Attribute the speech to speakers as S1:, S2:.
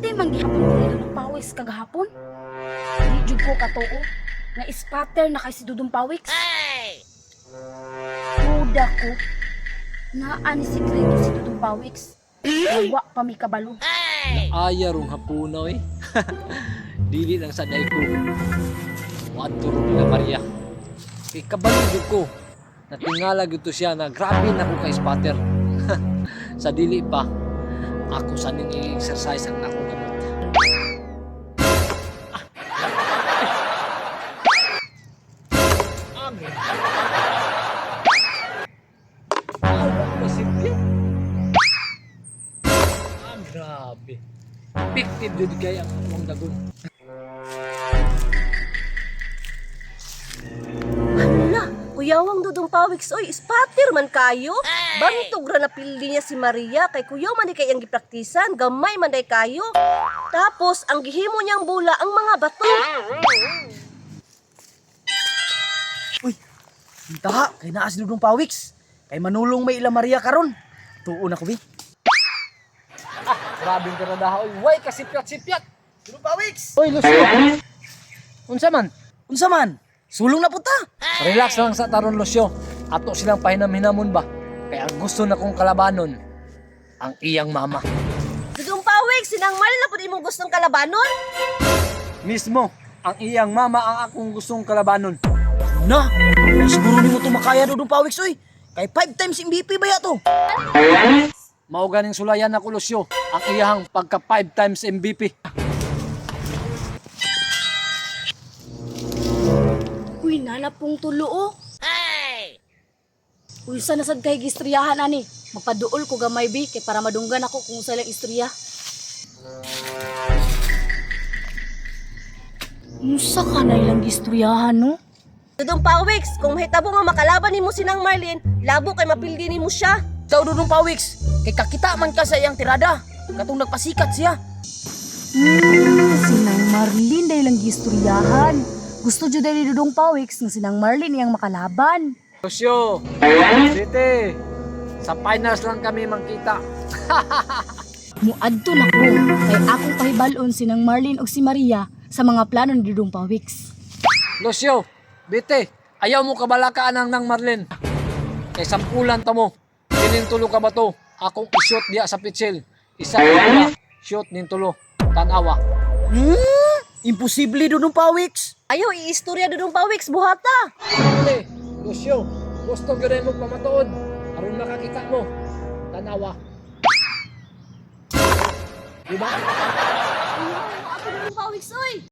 S1: Sulti man gihapon ko ni Dudong Pawiks kagahapon. Di jud ko katuo nga spatter na kay si Dudong Pawiks. Duda ko na ani sikreto si Dudong Pawiks. Wa pa mi kabalo.
S2: Aya rong hapunaw eh. Dili lang sa day ko. Wadto nila Maria. Kay kabalog ko. Natingala gyud to siya na grabe na ko kay spatter. Sa dili pa ako sa ning exercise ang nako gamot. Grabe. Effective yun kaya ang among dagon.
S3: Hala, kuyawang Dudong Pawiks, oy, spatter man kayo. Bangitog ra na pildi niya si Maria, kay kuyaw man di kay ang gipraktisan, gamay man day kayo. Tapos, ang gihimo niyang bula ang mga bato.
S4: Uy, hinta, kay naa si Dudong Pawiks. Kay manulong may ila Maria karon. Tuon ako, bi.
S2: Grabing karadaha. Way kasipyat-sipyat.
S4: Dudong Pawiks!
S2: Oy, Lucio. Unsa man?
S4: Unsa man? Sulong na puta.
S2: Relax lang sa taron, Lucio. Ato silang pahinam-hinamon ba? Kaya ang gusto na kong kalabanon ang iyang mama.
S3: Dudong Pawiks, sinangmal na po di mong gustong kalabanon?
S2: Mismo, ang iyang mama ang akong gustong kalabanon.
S4: Na, siguro ni mo ito makaya Dudong Pawiks, oy. Kay 5 times MVP ba yato?
S2: Mao ganing sulayan ako, Lucio, ang iyahang pagka 5 times MVP.
S1: Uy, nalapong tulo oh. Uy, sana sad kay gistriyahan ani. Magpaduol ko gamay bi kay para madunggan ako kung sa lang istorya. Musa ka na ilang gistoryahan no?
S3: Dudong Pawiks, kung mahitabo nga makalaban ni mo sinang Marlin, labo kay mapildi ni mo siya.
S4: Ikaw Dudong Pawiks, kay kakita man ka sa iyang tirada. Katong nagpasikat siya.
S1: Sinang Marlin dahil lang gistoryahan. Gusto jud ni Dudong Pawiks nga sinang Marlin iyang makalaban.
S2: Lucio, dite, sa finals lang kami mangkita.
S1: Muadto na ko kay akong pahibalon sinang Marlin ug si Maria sa mga plano ni Dudong Pawiks.
S2: Lucio, bite, ayaw mo kabalakaan ang nang Marlin. Kay sampulan ta mo. Kining tulo ka ba to? Akong i-shoot diya sa pitsil. Isa ka shoot nin tulo. Tanawa.
S4: Imposible Dudong Pawiks.
S3: Ayaw, iistorya Dudong Pawiks, buhata.
S2: Bite, Lucio, gusto ko rin mo pamatuod. Aron makakita mo. Tanawa. Diba?
S3: Ako Dudong Pawiks, oy.